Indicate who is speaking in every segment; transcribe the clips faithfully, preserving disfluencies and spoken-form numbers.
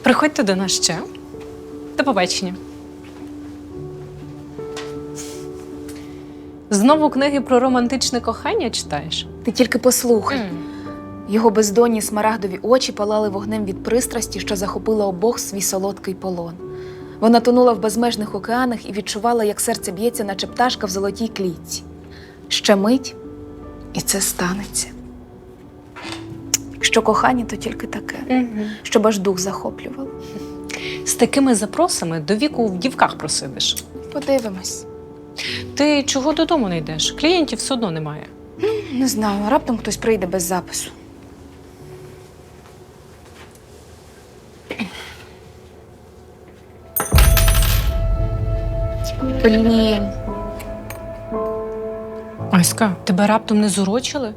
Speaker 1: Приходьте до нас ще. До побачення. Знову книги про романтичне кохання читаєш?
Speaker 2: Ти тільки послухай.
Speaker 1: Mm.
Speaker 2: Його бездонні смарагдові очі палали вогнем від пристрасті, що захопила обох в свій солодкий полон. Вона тонула в безмежних океанах і відчувала, як серце б'ється, наче пташка в золотій клітці. Ще мить, і це станеться. Якщо кохання, то тільки таке,
Speaker 1: Mm-hmm.
Speaker 2: щоб аж дух захоплювало.
Speaker 1: З такими запросами до віку в дівках просидиш.
Speaker 2: Подивимось.
Speaker 1: Ти чого додому не йдеш? Клієнтів все одно немає.
Speaker 2: Не знаю, раптом хтось прийде без запису. Блін.
Speaker 1: Аська, тебе раптом не зурочили?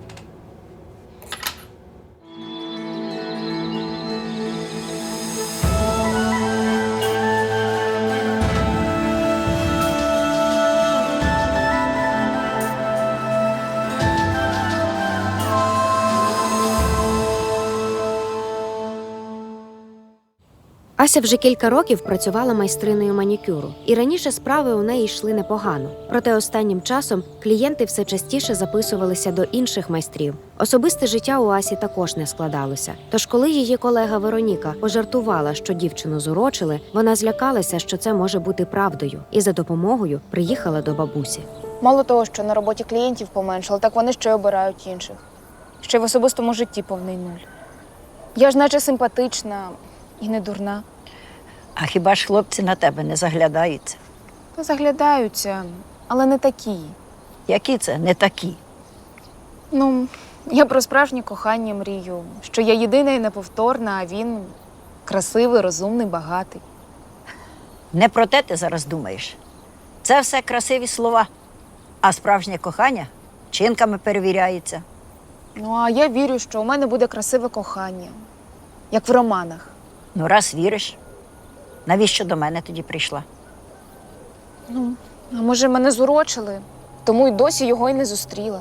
Speaker 3: Ася вже кілька років працювала майстриною манікюру, і раніше справи у неї йшли непогано. Проте останнім часом клієнти все частіше записувалися до інших майстрів. Особисте життя у Асі також не складалося. Тож коли її колега Вероніка пожартувала, що дівчину зурочили, вона злякалася, що це може бути правдою, і за допомогою приїхала до бабусі.
Speaker 2: Мало того, що на роботі клієнтів поменшало, так вони ще й обирають інших. Ще й в особистому житті повний нуль. Я ж наче симпатична і не дурна.
Speaker 4: А хіба ж хлопці на тебе не заглядаються?
Speaker 2: Та заглядаються, але не такі.
Speaker 4: Які це не такі?
Speaker 2: Ну, я про справжнє кохання мрію, що я єдина і неповторна, а він красивий, розумний, багатий.
Speaker 4: Не про те ти зараз думаєш. Це все красиві слова, а справжнє кохання вчинками перевіряється.
Speaker 2: Ну, а я вірю, що у мене буде красиве кохання, як в романах.
Speaker 4: Ну, раз віриш, навіщо до мене тоді прийшла?
Speaker 2: Ну, а може, мене зурочили, тому й досі його й не зустріла.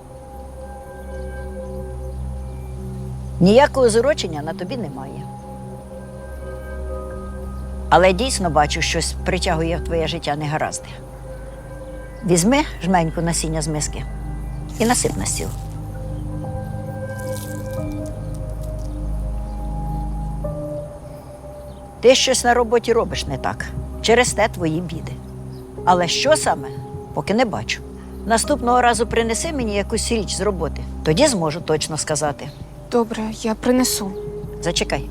Speaker 4: Ніякого зурочення на тобі немає. Але дійсно бачу, щось притягує в твоє життя негаразди. Візьми жменьку насіння з миски і насип на стіл. Ти щось на роботі робиш не так. Через те твої біди. Але що саме, поки не бачу. Наступного разу принеси мені якусь річ з роботи. Тоді зможу точно сказати.
Speaker 2: Добре, я принесу.
Speaker 4: Зачекай.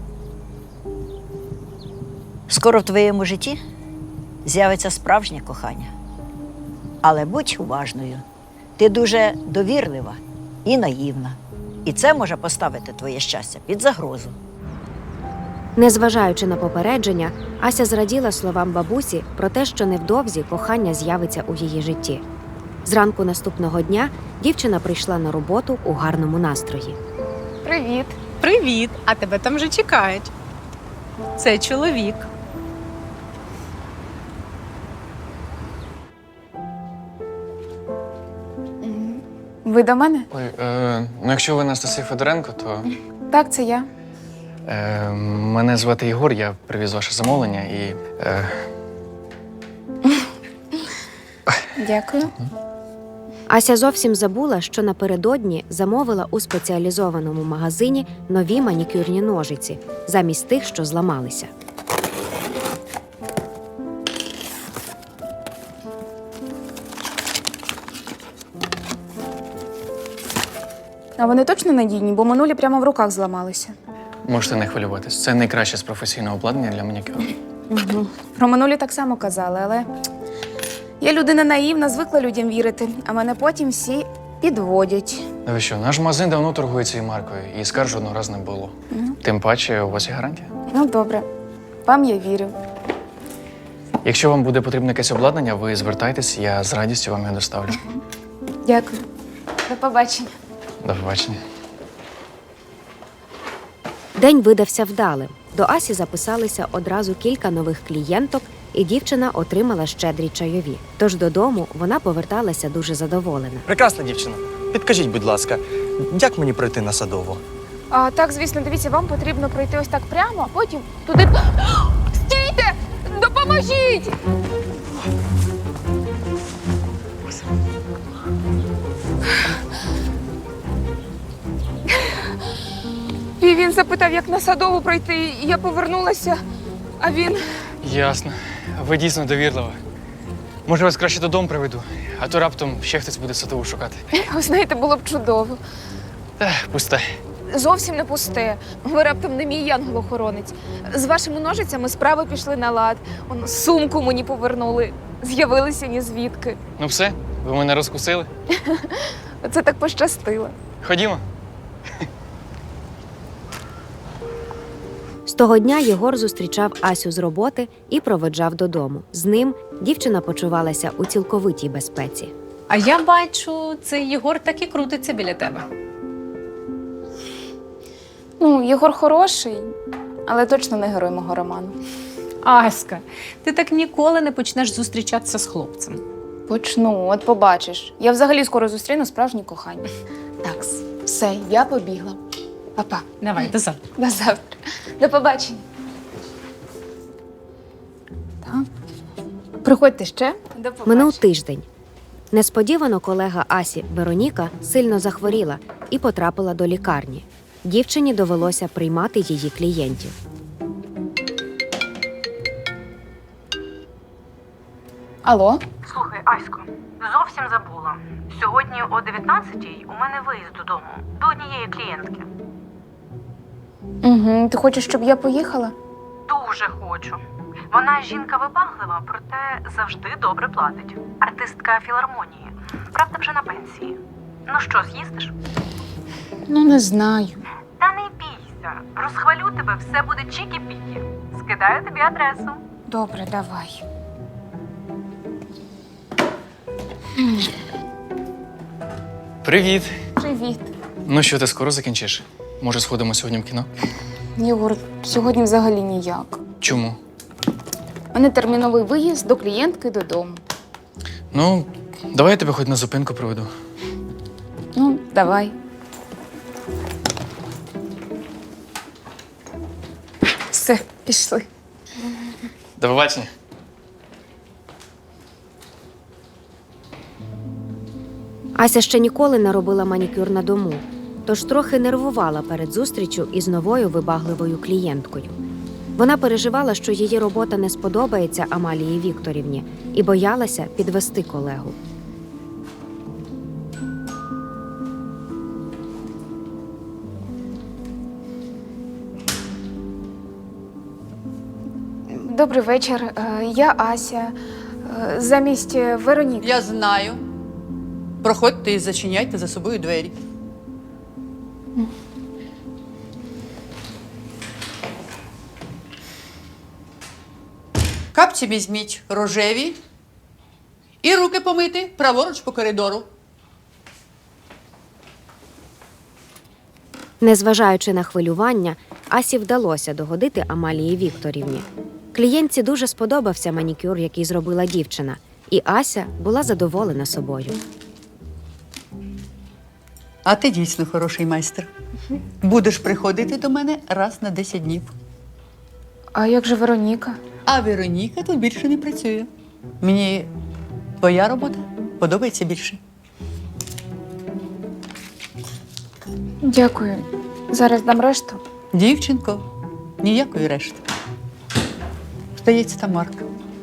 Speaker 4: Скоро в твоєму житті з'явиться справжнє кохання. Але будь уважною. Ти дуже довірлива і наївна. І це може поставити твоє щастя під загрозу.
Speaker 3: Незважаючи на попередження, Ася зраділа словам бабусі про те, що невдовзі кохання з'явиться у її житті. Зранку наступного дня дівчина прийшла на роботу у гарному настрої.
Speaker 2: Привіт.
Speaker 1: Привіт! А тебе там вже чекають. Це чоловік.
Speaker 2: Ви до мене?
Speaker 5: Ой, е, ну якщо ви Анастасія Федоренко, то
Speaker 2: Так, це я.
Speaker 5: е, мене звати Ігор, я привіз ваше замовлення і. Е,
Speaker 2: Дякую.
Speaker 3: Ася зовсім забула, що напередодні замовила у спеціалізованому магазині нові манікюрні ножиці, замість тих, що зламалися.
Speaker 2: А вони точно надійні, бо минулі прямо в руках зламалися.
Speaker 5: можете не хвилюватись. Це найкраще з професійного обладнання для манікюру.
Speaker 2: Угу. Про минулі так само казали, але я людина наївна, звикла людям вірити, а мене потім всі підводять.
Speaker 5: Ну ви що, наш магазин давно торгує цією маркою, і скарг жодного разу не було.
Speaker 2: Мгм.
Speaker 5: Тим паче, у вас є гарантія.
Speaker 2: Ну, добре. Вам я вірю.
Speaker 5: Якщо вам буде потрібне якесь обладнання, ви звертайтесь, я з радістю вам його доставлю.
Speaker 2: Дякую. До побачення.
Speaker 5: До побачення.
Speaker 3: День видався вдалим. До Асі записалися одразу кілька нових клієнток, і дівчина отримала щедрі чайові. Тож додому вона поверталася дуже задоволена.
Speaker 6: Прекрасна дівчина. Підкажіть, будь ласка, як мені пройти на Садову?
Speaker 2: А, так, звісно, дивіться, вам потрібно пройти ось так прямо, а потім туди. Стійте! Допоможіть! І він запитав, як на Садову пройти, і я повернулася, а він.
Speaker 5: Ясно. Ви дійсно довірлива. Може, вас краще додому приведу, а то раптом ще хтось буде Садову шукати.
Speaker 2: Ви знаєте, було б чудово.
Speaker 5: Та, пусте.
Speaker 2: Зовсім не пусте. Ви раптом не мій янгол-охоронець. З вашими ножицями справи пішли на лад. Он, сумку мені повернули. З'явилися ні звідки.
Speaker 5: Ну все, ви мене розкусили.
Speaker 2: Це так пощастило.
Speaker 5: Ходімо.
Speaker 3: З того дня Єгор зустрічав Асю з роботи і проведжав додому. З ним дівчина почувалася у цілковитій безпеці.
Speaker 1: А я бачу, цей Єгор так і крутиться біля тебе.
Speaker 2: Ну, Єгор хороший, але точно не герой мого роману.
Speaker 1: Аська, ти так ніколи не почнеш зустрічатися з хлопцем.
Speaker 2: Почну, от побачиш. Я взагалі скоро зустріну справжнє кохання. Так, все, я побігла. Па-па.
Speaker 1: Давай, до завтра.
Speaker 2: До завтра. До побачення. Так. Приходьте ще. До побачення.
Speaker 3: Минув тиждень. Несподівано колега Асі Вероніка сильно захворіла і потрапила до лікарні. Дівчині довелося приймати її клієнтів.
Speaker 2: Алло?
Speaker 6: Слухай, Асько, зовсім забула. Сьогодні о дев'ятнадцятій у мене виїзд додому до однієї клієнтки.
Speaker 2: Угу. Ти хочеш, щоб я поїхала?
Speaker 6: Дуже хочу. Вона жінка вибаглива, проте завжди добре платить. Артистка філармонії. Правда, вже на пенсії. Ну що, з'їздиш?
Speaker 2: Ну, не знаю.
Speaker 6: Та не бійся. Розхвалю тебе, все буде чікі-пікі. Скидаю тобі адресу.
Speaker 2: Добре, давай.
Speaker 5: Привіт.
Speaker 2: Привіт.
Speaker 5: Ну що, ти скоро закінчиш? Може, сходимо сьогодні в кіно?
Speaker 2: Єгор, сьогодні взагалі ніяк.
Speaker 5: Чому?
Speaker 2: У мене терміновий виїзд до клієнтки додому.
Speaker 5: Ну, давай я тебе хоч на зупинку проведу.
Speaker 2: Ну, давай. Все, пішли.
Speaker 5: До побачення.
Speaker 3: Ася ще ніколи не робила манікюр на дому, тож трохи нервувала перед зустрічю із новою вибагливою клієнткою. Вона переживала, що її робота не сподобається Амалії Вікторівні, і боялася підвести колегу.
Speaker 2: Добрий вечір. Е, Я Ася. Е, Замість е, Вероніки.
Speaker 7: Я знаю. Проходьте і зачиняйте за собою двері. Капці візьміть рожеві і руки помити праворуч по коридору.
Speaker 3: Незважаючи на хвилювання, Асі вдалося догодити Амалії Вікторівні. Клієнтці дуже сподобався манікюр, який зробила дівчина, і Ася була задоволена собою.
Speaker 7: А ти дійсно хороший майстер. Будеш приходити до мене раз на десять днів.
Speaker 2: А як же Вероніка?
Speaker 7: А Вероніка тут більше не працює. Мені твоя робота подобається більше.
Speaker 2: Дякую. Зараз дам решту.
Speaker 7: Дівчинко, ніякої решти. Здається, там Марк.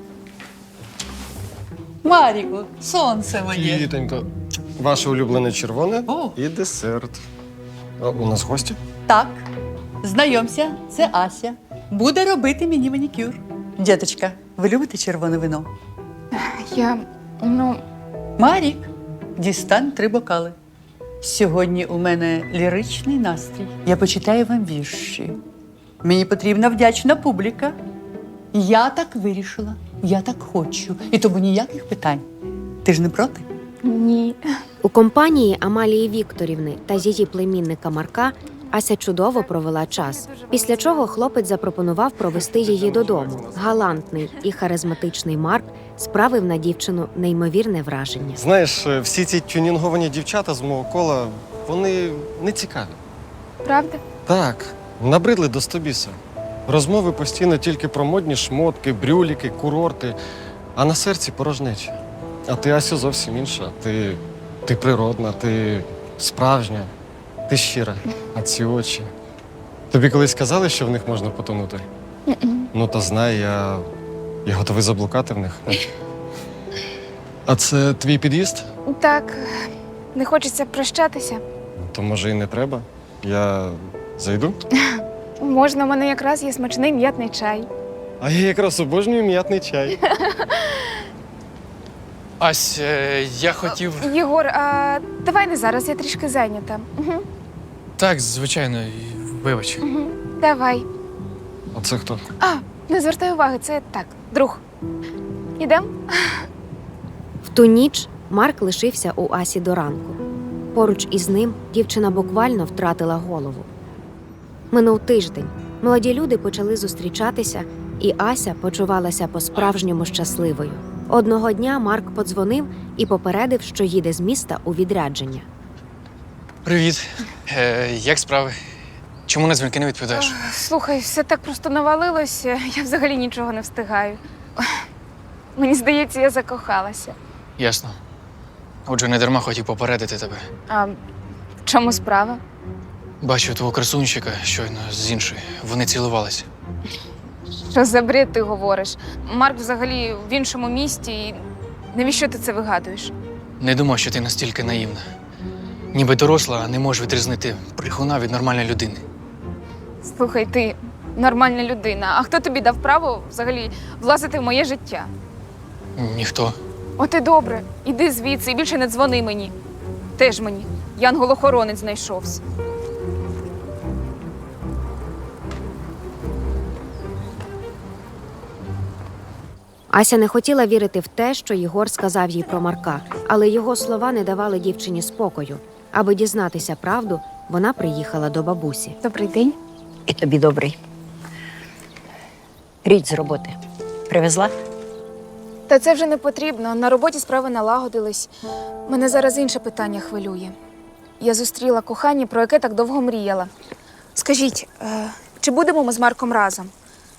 Speaker 7: Маріко, сонце моє.
Speaker 8: Вітонько, ваше улюблене червоне
Speaker 7: О.
Speaker 8: і десерт. А у нас гості?
Speaker 7: Так, знайомся, це Ася. Буде робити мені манікюр. Діточка, ви любите червоне вино?
Speaker 2: Я, ну,
Speaker 7: Марік, дістань три бокали. Сьогодні у мене ліричний настрій. Я почитаю вам вірші. Мені потрібна вдячна публіка. Я так вирішила, я так хочу. І тому ніяких питань. Ти ж не проти?
Speaker 2: ні.
Speaker 3: У компанії Амалії Вікторівни та її племінника Марка Ася чудово провела час, після чого хлопець запропонував провести її додому. Галантний і харизматичний Марк справив на дівчину неймовірне враження.
Speaker 8: Знаєш, всі ці тюнінговані дівчата з мого кола, вони не цікаві.
Speaker 2: Правда?
Speaker 8: Так, набридли до стобіса. Розмови постійно тільки про модні шмотки, брюліки, курорти, а на серці порожнеча. А ти, Асю, зовсім інша. Ти, ти природна, ти справжня, ти щира. А ці очі. Тобі колись казали, що в них можна потонути? Ну, та знай, я, я готовий заблукати в них. А це твій під'їзд?
Speaker 2: Так, не хочеться прощатися.
Speaker 8: То може і не треба. Я зайду?
Speaker 2: Можна, у мене якраз є смачний м'ятний чай.
Speaker 8: А я якраз обожнюю м'ятний чай.
Speaker 5: Ась, е, я хотів.
Speaker 2: Єгор, а давай не зараз, я трішки зайнята. Угу.
Speaker 5: Так, звичайно, вибач.
Speaker 2: Угу. Давай.
Speaker 8: А це хто?
Speaker 2: А, не звертай уваги, це так, друг. Ідем?
Speaker 3: В ту ніч Марк лишився у Асі до ранку. Поруч із ним дівчина буквально втратила голову. Минув тиждень. Молоді люди почали зустрічатися, і Ася почувалася по-справжньому щасливою. Одного дня Марк подзвонив і попередив, що їде з міста у відрядження.
Speaker 5: Привіт. Е, як справи? Чому на дзвінки не відповідаєш?
Speaker 2: Слухай, все так просто навалилося, я взагалі нічого не встигаю. Мені здається, я закохалася.
Speaker 5: Ясно. Отже, не дарма хотів попередити тебе.
Speaker 2: А в чому справа?
Speaker 5: Бачу твого красунчика щойно з іншою. Вони цілувалися.
Speaker 2: Що за бред ти говориш? Марк взагалі в іншому місті, і навіщо ти це вигадуєш?
Speaker 5: Не думав, що ти настільки наївна. Ніби доросла, а не можеш відрізнити брехуна від нормальної людини.
Speaker 2: Слухай, ти нормальна людина. А хто тобі дав право взагалі влазити в моє життя?
Speaker 5: Ніхто.
Speaker 2: От і добре, іди звідси і більше не дзвони мені. Теж мені. Янгол-охоронець знайшовся.
Speaker 3: Ася не хотіла вірити в те, що Єгор сказав їй про Марка, але його слова не давали дівчині спокою. Аби дізнатися правду, вона приїхала до бабусі.
Speaker 2: Добрий день.
Speaker 4: І тобі добрий. Річ з роботи. Привезла?
Speaker 2: Та це вже не потрібно. На роботі справи налагодились. Мене зараз інше питання хвилює. Я зустріла кохання, про яке так довго мріяла. Скажіть, е, чи будемо ми з Марком разом?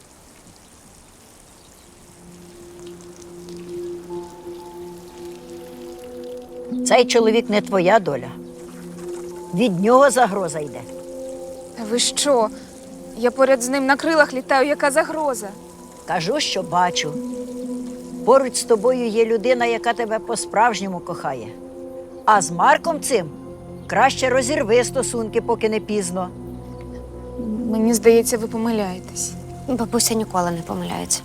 Speaker 4: Цей чоловік не твоя доля. Від нього загроза йде.
Speaker 2: Та ви що? Я поряд з ним на крилах літаю, яка загроза?
Speaker 4: Кажу, що бачу. Поруч з тобою є людина, яка тебе по-справжньому кохає. А з Марком цим краще розірви стосунки, поки не пізно.
Speaker 2: Мені здається, ви помиляєтесь.
Speaker 3: Бабуся ніколи не помиляється.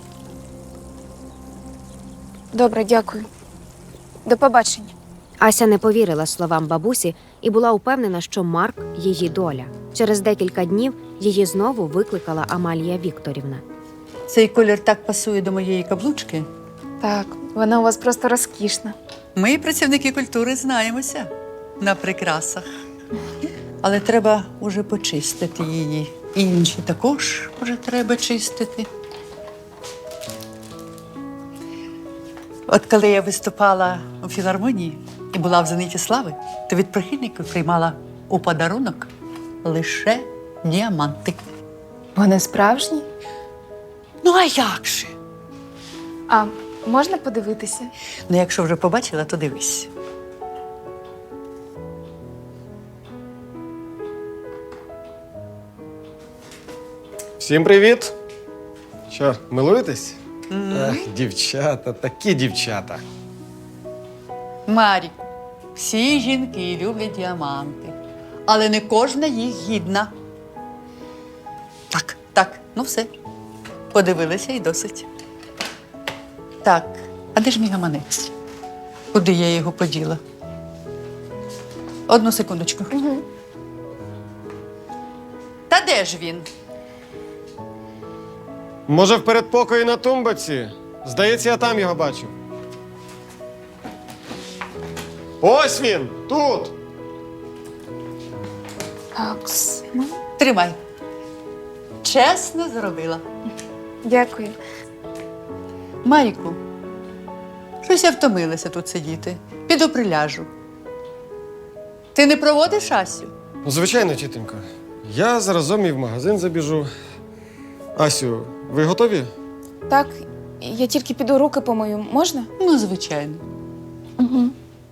Speaker 2: Добре, дякую. До побачення.
Speaker 3: Ася не повірила словам бабусі і була упевнена, що Марк – її доля. Через декілька днів її знову викликала Амалія Вікторівна.
Speaker 7: Цей колір так пасує до моєї каблучки.
Speaker 2: Так, вона у вас просто розкішна.
Speaker 7: Ми, працівники культури, знаємося на прикрасах. Але треба уже почистити її. І інші також вже треба чистити. От коли я виступала у філармонії і була в «Зениті слави», то від прихильників приймала у подарунок лише діаманти.
Speaker 2: Вони справжні?
Speaker 7: Ну, а як же?
Speaker 2: А можна подивитися?
Speaker 7: Ну, якщо вже побачила, то дивись.
Speaker 8: Всім привіт! Що, милуєтесь? Ах, дівчата, такі дівчата.
Speaker 7: Марі, всі жінки люблять діаманти, але не кожна їх гідна. Так, так, ну все. Подивилися і досить. Так, а де ж мій гаманець? Куди я його поділа? Одну секундочку.
Speaker 2: Угу.
Speaker 7: Та де ж він?
Speaker 8: Може, в передпокої на тумбаці? Здається, я там його бачив. Ось він! Тут!
Speaker 2: Такс. Ну,
Speaker 7: Тримай. Чесно зробила.
Speaker 2: дякую.
Speaker 7: Маріку, щось я втомилася тут сидіти. Піду приляжу. Ти не проводиш Асю?
Speaker 8: Ну, звичайно, тітонько. Я заразом і в магазин забіжу. Асю, ви готові?
Speaker 2: Так, я тільки піду руки помию. Можна?
Speaker 7: Ну, звичайно.
Speaker 2: Угу.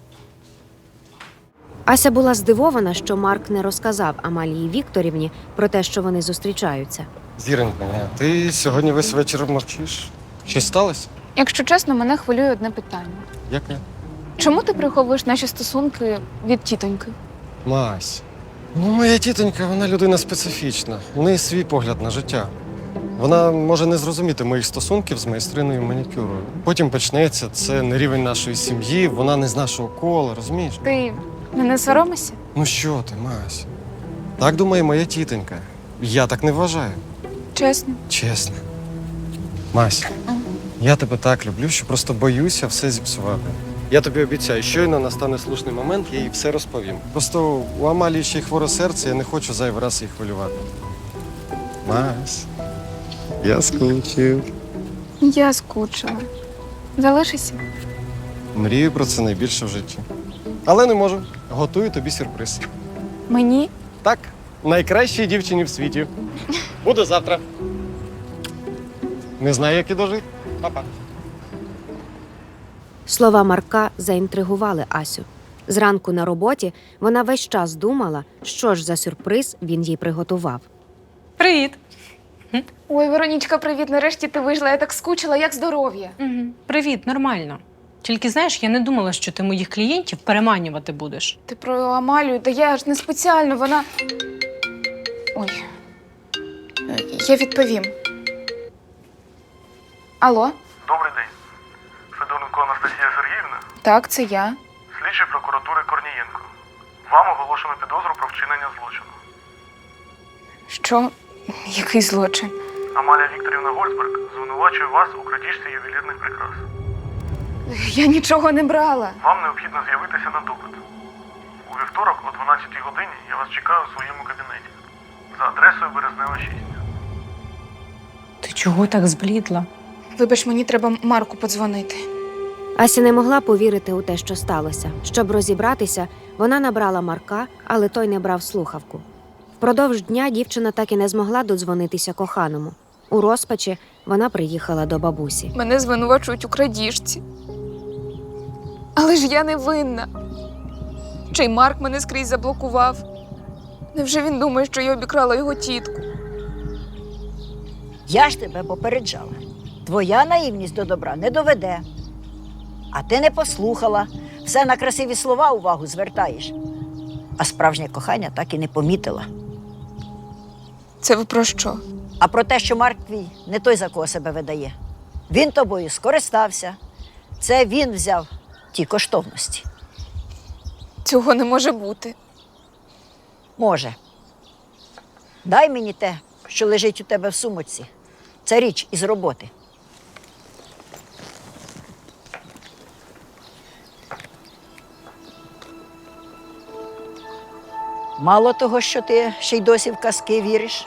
Speaker 3: Ася була здивована, що Марк не розказав Амалії Вікторівні про те, що вони зустрічаються.
Speaker 8: Зіронька, ти сьогодні весь вечір мовчиш. Щось сталося?
Speaker 2: Якщо чесно, мене хвилює одне питання.
Speaker 8: Яке?
Speaker 2: Чому ти приховуєш наші стосунки від тітоньки?
Speaker 8: Мась. Ну, моя тітонька, вона людина специфічна. У неї свій погляд на життя. Вона може не зрозуміти моїх стосунків з майстриною манікюру. Потім почнеться, це не рівень нашої сім'ї, вона не з нашого кола, розумієш?
Speaker 2: Ти мене соромишся?
Speaker 8: Ну що ти, Мась? Так думає моя тітонька. Я так не вважаю.
Speaker 2: Чесно.
Speaker 8: Чесно. Мась, я тебе так люблю, що просто боюся все зіпсувати. Я тобі обіцяю, щойно настане слушний момент, я їй все розповім. Просто у Амалії ще й хворе серце, я не хочу зайвий раз її хвилювати. Мась, я скучив.
Speaker 2: Я скучила. Залишися.
Speaker 8: Мрію про це найбільше в житті. Але не можу. Готую тобі сюрприз.
Speaker 2: Мені?
Speaker 8: Так, найкращій дівчині в світі. Буду завтра. Не знаю, як і дожити. Па-па.
Speaker 3: Слова Марка заінтригували Асю. Зранку на роботі вона весь час думала, що ж за сюрприз він їй приготував.
Speaker 1: Привіт.
Speaker 2: Ой, Веронічка, привіт. Нарешті ти вийшла. Я так скучила, як здоров'я.
Speaker 1: Угу. Привіт, нормально. Тільки знаєш, я не думала, що ти моїх клієнтів переманювати будеш.
Speaker 2: Ти про Амалію, та я ж не спеціально, вона. Ой. Е, Я відповім. Алло?
Speaker 9: Добрий день. Федоренко Анастасія Сергіївна,
Speaker 2: Так, це я.
Speaker 9: слідчий прокуратури Корнієнко. Вам оголошено підозру про вчинення злочину.
Speaker 2: Що? Який злочин?
Speaker 9: Амалія Вікторівна Гольцберг звинувачує вас у крадіжці ювелірних прикрас.
Speaker 2: Я нічого не брала.
Speaker 9: Вам необхідно з'явитися на допит. У вівторок о дванадцятій годині я вас чекаю у своєму кабінеті за адресою Березнева шість.
Speaker 1: Ти чого так зблідла?
Speaker 2: Вибач, мені треба Марку подзвонити.
Speaker 3: Ася не могла повірити у те, що сталося. Щоб розібратися, вона набрала Марка, але той не брав слухавку. Впродовж дня дівчина так і не змогла додзвонитися коханому. У розпачі вона приїхала до бабусі.
Speaker 2: Мене звинувачують у крадіжці. Але ж я не винна. Чи й Марк мене скрізь заблокував? Невже він думає, що я обікрала його тітку?
Speaker 4: Я ж тебе попереджала. Твоя наївність до добра не доведе. А ти не послухала. Все на красиві слова увагу звертаєш. А справжнє кохання так і не помітила.
Speaker 2: Це ви про що?
Speaker 4: А про те, що Марк твій не той, за кого себе видає. Він тобою скористався. Це він взяв ті коштовності.
Speaker 2: Цього не може бути.
Speaker 4: Може. Дай мені те, що лежить у тебе в сумочці. Це річ із роботи. Мало того, що ти ще й досі в казки віриш.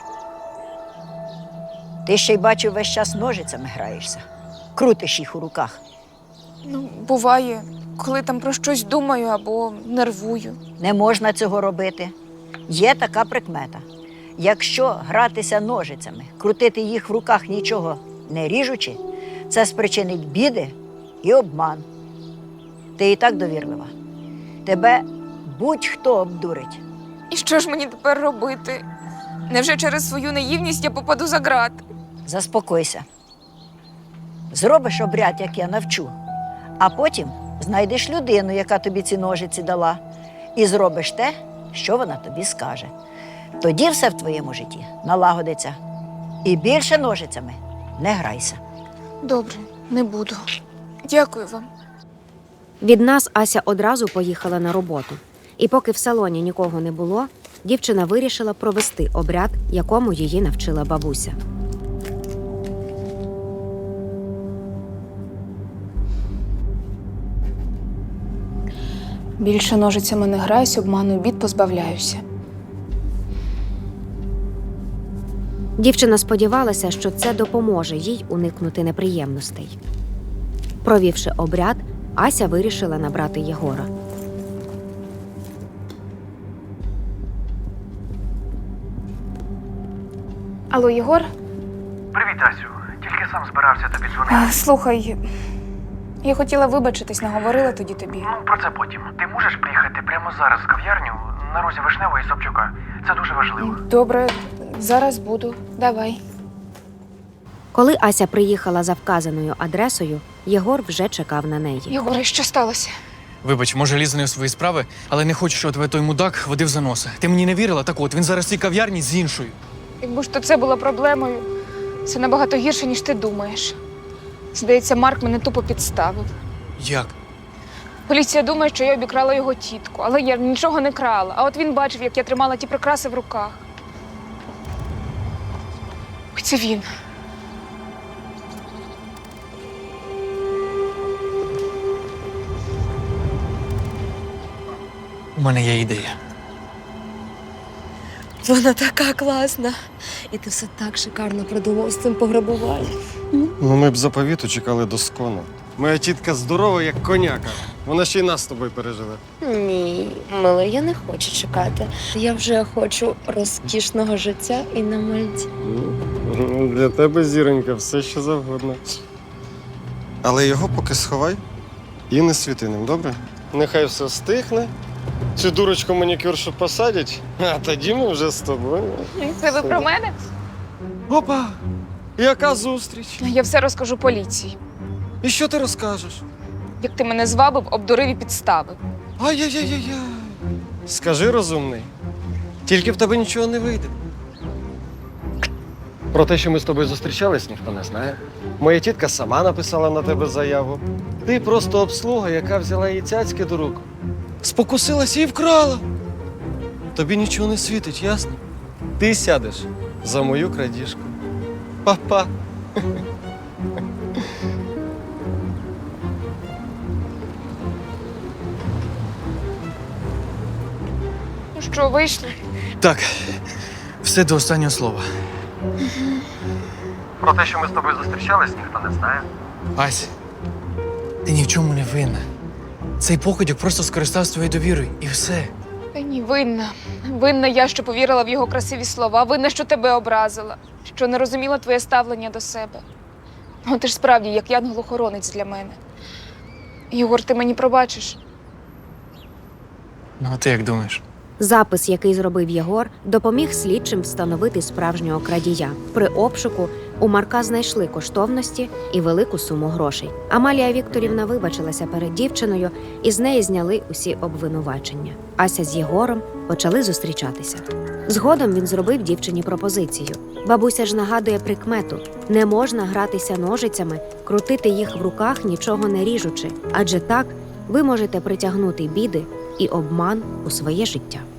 Speaker 4: Ти ще й бачу, весь час ножицями граєшся. Крутиш їх у руках.
Speaker 2: Ну, буває, коли там про щось думаю або нервую.
Speaker 4: Не можна цього робити. Є така прикмета. Якщо гратися ножицями, крутити їх в руках нічого не ріжучи, це спричинить біди і обман. Ти і так довірлива. Тебе будь-хто обдурить.
Speaker 2: І що ж мені тепер робити? Невже через свою наївність я попаду за ґрат?
Speaker 4: Заспокойся. Зробиш обряд, як я навчу, а потім знайдеш людину, яка тобі ці ножиці дала, і зробиш те, що вона тобі скаже. Тоді все в твоєму житті налагодиться. І більше ножицями не грайся.
Speaker 2: Добре, не буду. Дякую вам.
Speaker 3: Від нас Ася одразу поїхала на роботу. І поки в салоні нікого не було, дівчина вирішила провести обряд, якому її навчила бабуся.
Speaker 2: Більше ножицями не граюсь, обману бід позбавляюся.
Speaker 3: Дівчина сподівалася, що це допоможе їй уникнути неприємностей. Провівши обряд, Ася вирішила набрати Єгора.
Speaker 2: Алло, Єгор?
Speaker 9: Привіт, Асю. Тільки сам збирався тобі дзвонити.
Speaker 2: А, слухай, я хотіла вибачитись, не говорила тоді тобі.
Speaker 9: Ну, про це потім. Ти можеш приїхати прямо зараз в кав'ярню на розі Вишневого і Собчука? Це дуже важливо.
Speaker 2: Добре, зараз буду. Давай.
Speaker 3: Коли Ася приїхала за вказаною адресою, Єгор вже чекав на неї.
Speaker 2: Єгоре, що сталося?
Speaker 5: Вибач, може, лізу не у свої справи, але не хочу, щоб тебе той мудак водив за носа. Ти мені не вірила? Так от, він зараз в цій кав'ярні з іншою.
Speaker 2: Якби ж то це було проблемою, це набагато гірше, ніж ти думаєш. Здається, Марк мене тупо підставив.
Speaker 5: Як?
Speaker 2: Поліція думає, що я обікрала його тітку, але я нічого не крала. А от він бачив, як я тримала ті прикраси в руках. Ой, це він.
Speaker 5: У мене є ідея.
Speaker 10: Вона така класна. І ти все так шикарно придумав з цим пограбуванням.
Speaker 8: Ну, ми б заповіту чекали доскону. Моя тітка здорова, як коняка. Вона ще й нас з тобою переживе.
Speaker 10: Ні, миле, я не хочу чекати. Я вже хочу розкішного життя і на Мальті.
Speaker 8: Ну, для тебе, зіронька, все що завгодно. Але його поки сховай і не світи ним, добре? Нехай все стихне. Цю дурочку манікюршу посадять, а тоді ми вже з тобою.
Speaker 2: Це ви про мене?
Speaker 8: Опа! Яка зустріч?
Speaker 2: Я все розкажу поліції.
Speaker 8: І що ти розкажеш?
Speaker 2: Як ти мене звабив, обдурив і підставив.
Speaker 8: Ай-яй-яй-яй. Скажи, розумний, тільки в тебе нічого не вийде. Про те, що ми з тобою зустрічались, ніхто не знає. Моя тітка сама написала на тебе заяву. Ти просто обслуга, яка взяла її цяцьки до рук. Спокусилася і вкрала. Тобі нічого не світить, ясно? Ти сядеш за мою крадіжку. Па-па.
Speaker 2: Ну що, вийшли?
Speaker 5: Так, все до останнього слова.
Speaker 8: Про те, що ми з тобою зустрічались, ніхто не знає.
Speaker 5: Ась, ти ні в чому не винна. Цей покидьок просто скористався твоєю довірою, і все.
Speaker 2: Та ні, винна. Винна я, що повірила в його красиві слова. Винна, що тебе образила. Що не розуміла твоє ставлення до себе. Ну, ти ж справді, як янгол-охоронець для мене. Єгор, ти мені пробачиш?
Speaker 5: Ну, а ти як думаєш?
Speaker 3: Запис, який зробив Єгор, допоміг слідчим встановити справжнього крадія. При обшуку у Марка знайшли коштовності і велику суму грошей. Амалія Вікторівна вибачилася перед дівчиною, і з неї зняли усі обвинувачення. Ася з Єгором почали зустрічатися. Згодом він зробив дівчині пропозицію. Бабуся ж нагадує прикмету: не можна гратися ножицями, крутити їх в руках, нічого не ріжучи, адже так ви можете притягнути біди і обман у своє життя.